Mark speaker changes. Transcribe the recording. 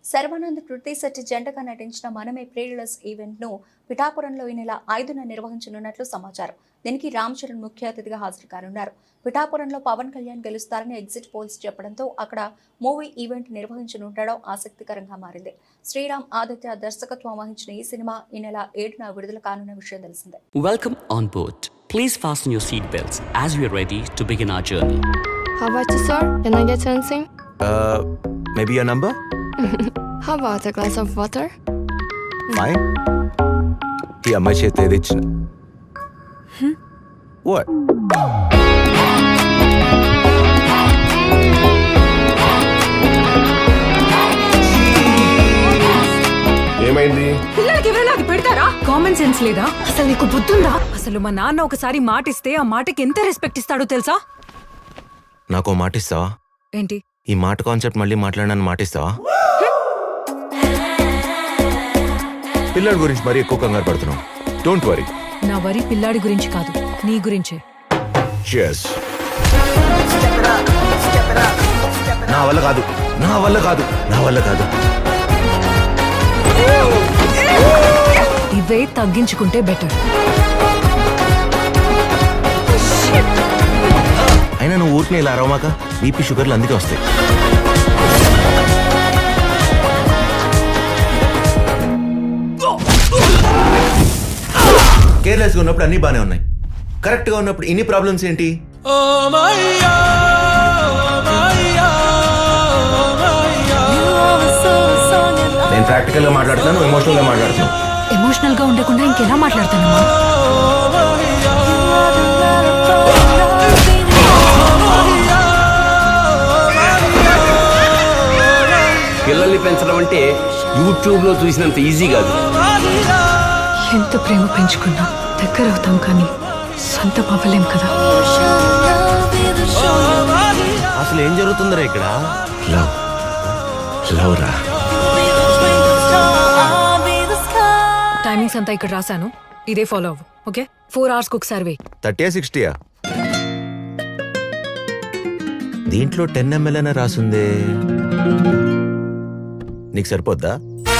Speaker 1: శర్వానంద్ కృతి శెట్టి జంటగా నటించిన మనమే ప్రేరలస్ ఈవెంట్ ను పిఠాపురంలో ఈ నెల 5న నిర్వహించనున్నట్లు సమాచారం. దీనికి రామ్ చరణ్ ముఖ్య అతిథిగా హాజరు కానున్నారు. పిఠాపురంలో పవన్ కళ్యాణ్ గెలుస్తారని ఎగ్జిట్ పోల్స్ చెప్పడంతో అక్కడ మూవీ ఈవెంట్ నిర్వహించనుండడం ఆసక్తికరంగా మారింది. శ్రీరామ్ ఆదిత్య దర్శకత్వం వహించిన ఈ సినిమా ఈ నెల 7న విడుదల కానున్న విషయం తెలిసిందే.
Speaker 2: Welcome on board. Please fasten your seat belts as we are ready to begin our journey.
Speaker 3: How about you, sir? Can I get anything?
Speaker 4: Maybe your number?
Speaker 3: How about a glass of water?
Speaker 4: Fine. ఈ అమ్మాయి చేతి ఏది ఇచ్చిన What?
Speaker 5: ఏమైంది?
Speaker 6: పిల్లలకి ఎవరైనా అది పెడతారా? కామన్ సెన్స్ లేదా? అసలు నీకు బుద్ధుందా? అసలు మా నాన్న ఒకసారి మాట ఇస్తే ఆ మాటకి ఎంత రెస్పెక్ట్ ఇస్తాడో తెలుసా?
Speaker 4: నాకు మాట ఇస్తావా?
Speaker 6: ఏంటి
Speaker 4: ఈ మాట కాన్సెప్ట్ మళ్ళీ మాట్లాడనని మాట ఇస్తావా? పిల్లల గురించి మరీ ఎక్కువ కంగారు పడుతున్నావు. Don't worry.
Speaker 6: నా వరి పిల్లాడి గురించి కాదు, నీ గురించే.
Speaker 4: Cheers. నా వల్ల కాదు, నా వల్ల కాదు, నా వల్ల కాదు.
Speaker 6: ఇవే తగ్గించుకుంటే బెటర్.
Speaker 4: అయినా నువ్వు ఊరికి ఇలా అరవమాక, బీపీ షుగర్లు అందుకే వస్తాయి. కేర్లెస్గా ఉన్నప్పుడు అన్నీ బాగానే ఉన్నాయి, కరెక్ట్గా ఉన్నప్పుడు ఇన్ని ప్రాబ్లమ్స్ ఏంటి? నేను ప్రాక్టికల్గా మాట్లాడుతున్నాను, ఎమోషనల్గా మాట్లాడుతున్నాను.
Speaker 6: ఎమోషనల్ గా ఉండకుండా ఇంకెలా మాట్లాడతానమ్మా?
Speaker 7: పిల్లల్ని పెంచడం అంటే యూట్యూబ్ లో చూసినంత ఈజీ కాదు.
Speaker 6: ఎంత ప్రేమ పెంచుకున్నా దగ్గర అవుతాం కానీ సొంతం అవ్వలేం కదా.
Speaker 4: అసలు ఏం జరుగుతుందిరా ఇక్కడ? లవ్ లవ్ రా.
Speaker 6: టైమింగ్స్ అంతా ఇక్కడ రాశాను, ఇదే ఫాలో అవ్వు. ఓకే, 4 hours ఒకసారి వేయి.
Speaker 4: 30 60? దీంట్లో 10 ml అనే రాసుందే, నీకు సరిపోద్దా?